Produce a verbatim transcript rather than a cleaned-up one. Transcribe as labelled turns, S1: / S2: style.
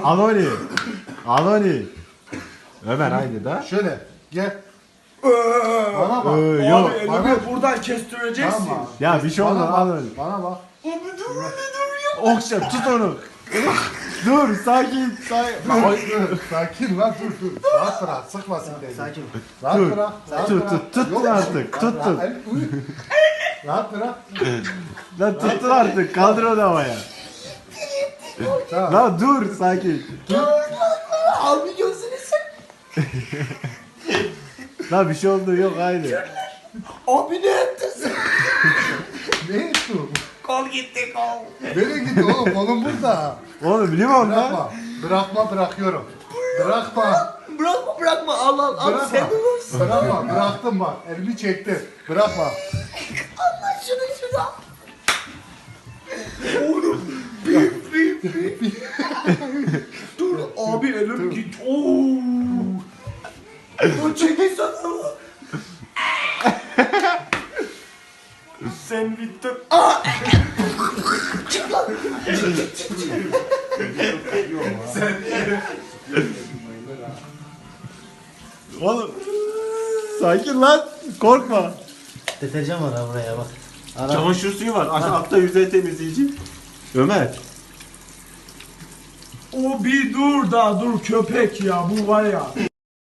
S1: Aloni. Aloni. Ömer aynı da.
S2: Şöyle gel. Bana bak.
S1: Ee,
S3: Abi
S1: yok.
S3: elimi
S2: bana-
S3: buradan kestireceksin.
S2: Tamam.
S1: Ya bir şey olmaz
S2: Bana
S1: Aloni.
S2: bak. Bana bak.
S3: Abi dur abi dur ya.
S1: Okşa tut onu. Dur sakin sakin.
S2: Dur, dur, sakin lan dur dur. Rahat bırak. Sıkmasın beni.
S4: Sakin.
S2: Rahat
S1: Dur.
S2: bırak. Rahat
S1: Tut,
S2: bırak.
S1: tut, tut
S2: Yok,
S1: artık,
S2: rahat
S1: tut,
S2: bırak.
S1: tut.
S2: El- uy. Rahat bırak.
S1: Lan tuttun artık kaldır onu havaya.
S2: Tamam.
S1: Lan dur sakin.
S4: Abi gözünü sen.
S1: Lan bir şey oldu yok aynı.
S4: Abi ne ettin sen?
S2: Ne ettin?
S4: Kol gitti kol.
S2: Nereye gitti oğlum? Kolum burada.
S1: Oğlum limon lan.
S2: Bırakma. Bırakma bırakıyorum. Bırakma.
S4: Bırakma bırakma al al al
S2: Bırakma.
S4: sen de varsın.
S2: Bırakma. Bıraktım bak. Elimi çektim. Bırakma.
S4: Allah şunu şunu al.
S3: Dur abi elim git. Oo. Dur çekil sana. Sen bittin.
S4: Çık lan.
S1: Oğlum. Sakin lan. Korkma.
S4: Deterjan var ha buraya bak. Ara.
S1: Çamaşır suyu var. Aşağı altta yüzey temizleyici. Ömer.
S3: O bir dur da dur köpek ya bu var ya.